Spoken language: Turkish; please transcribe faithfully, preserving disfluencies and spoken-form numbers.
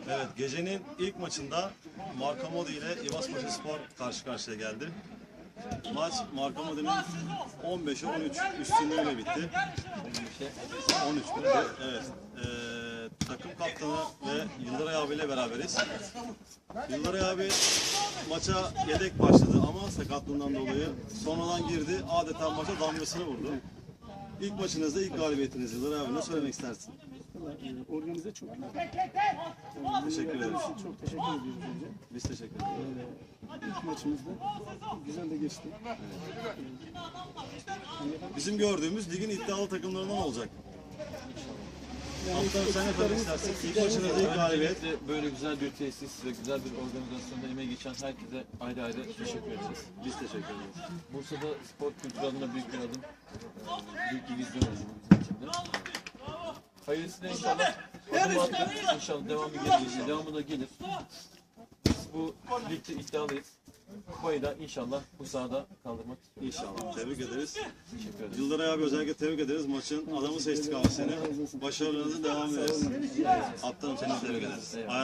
Evet, gecenin ilk maçında Marka Modi ile İvaspaşa Spor karşı karşıya geldi. Maç Marka Modi'nin on beşe on üç üstünlüğüyle bitti. on üç bitti. Evet. Ee, takım kaptanı ve Yıldıray abiyle beraberiz. Yıldıray abi maça yedek başladı ama sakatlığından dolayı sonradan girdi. Adeta maça damgasını vurdu. İlk maçınızda ilk galibiyetiniz Yıldıray abi. Ne söylemek istersin? Organize çok güzel. Teşekkür ederiz. Çok teşekkür ediyoruz önce. Biz teşekkür ederiz. Ee, ilk maçımızda güzel de geçti. Bizim gördüğümüz ligin iddialı takımlarından olacak. Kaptan sen ne söylemek istersin? İlk maçınızda ilk galibiyet. Öncelikle böyle güzel bir tesis ve güzel bir organizasyonda emeği geçen herkese ayrı ayrı teşekkür edeceğiz. Biz teşekkür ederiz. Bursa'da spor kültürü adına büyük bir adım. Ee, Büyük bir vizyon oldu bizim için de. Hayırlısıyla inşallah adım attık. İnşallah devamı gelir. Devamı da gelir. Biz bu ligde iddialıyız. Kupayı da inşallah bu sahada kaldırmak İnşallah. Tebrik ederiz. teşekkür ederiz. Yıldıray abi özellikle tebrik ederiz. Maçın adamı seçtik abi seni. Başarılarınızın devamı ederiz. Kaptanım seni tebrik ederiz.